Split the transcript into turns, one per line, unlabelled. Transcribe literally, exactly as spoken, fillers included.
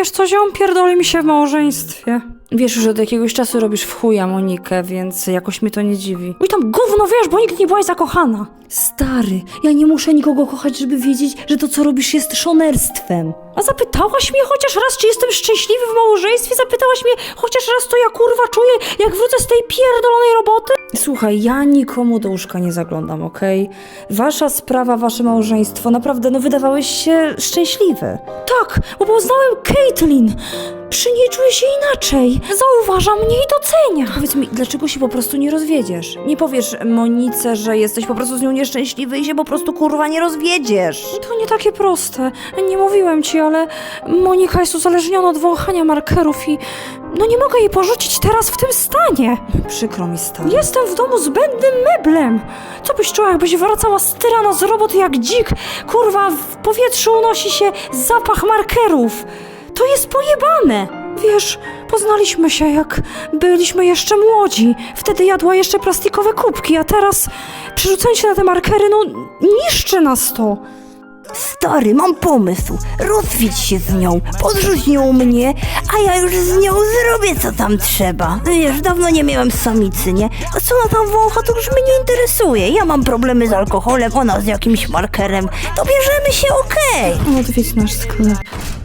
Wiesz co, ziom, pierdoli mi się w małżeństwie. Wiesz, że od jakiegoś czasu robisz w chuja Monikę, więc jakoś mnie to nie dziwi. Oj tam gówno, wiesz, bo nigdy nie byłaś zakochana. Stary, ja nie muszę nikogo kochać, żeby wiedzieć, że to, co robisz, jest szonerstwem. A zapytałaś mnie chociaż raz, czy jestem szczęśliwy w małżeństwie? Zapytałaś mnie chociaż raz, co ja kurwa czuję, jak wrócę z tej pierdolonej roboty? Słuchaj, ja nikomu do łóżka nie zaglądam, okej? Wasza sprawa, wasze małżeństwo, naprawdę, no wydawałeś się szczęśliwe. Tak, bo poznałem Caitlyn. Przy niej czuję się inaczej. Zauważa mnie i docenia. Powiedz mi, dlaczego się po prostu nie rozwiedziesz? Nie powiesz Monice, że jesteś po prostu z nią nieszczęśliwy i się po prostu kurwa nie rozwiedziesz. To nie takie proste. Nie mówiłem ci, ale Monika jest uzależniona od wąchania markerów i no nie mogę jej porzucić teraz w tym stanie. Przykro mi, stary. Jestem w domu zbędnym meblem. Co byś czuła, jakbyś wracała z tyrana z roboty jak dzik? Kurwa, w powietrzu unosi się zapach markerów. To jest pojebane! Wiesz, poznaliśmy się jak byliśmy jeszcze młodzi. Wtedy jadła jeszcze plastikowe kubki, a teraz przerzucając się na te markery, no niszczy nas to.
Stary, mam pomysł. Rozwiedź się z nią, podrzuć nią mnie, a ja już z nią zrobię co tam trzeba. Wiesz, dawno nie miałem samicy, nie? A co ona tam wącha, to już mnie nie interesuje. Ja mam problemy z alkoholem, ona z jakimś markerem. To bierzemy się, okej.
Odwiedź nasz sklep.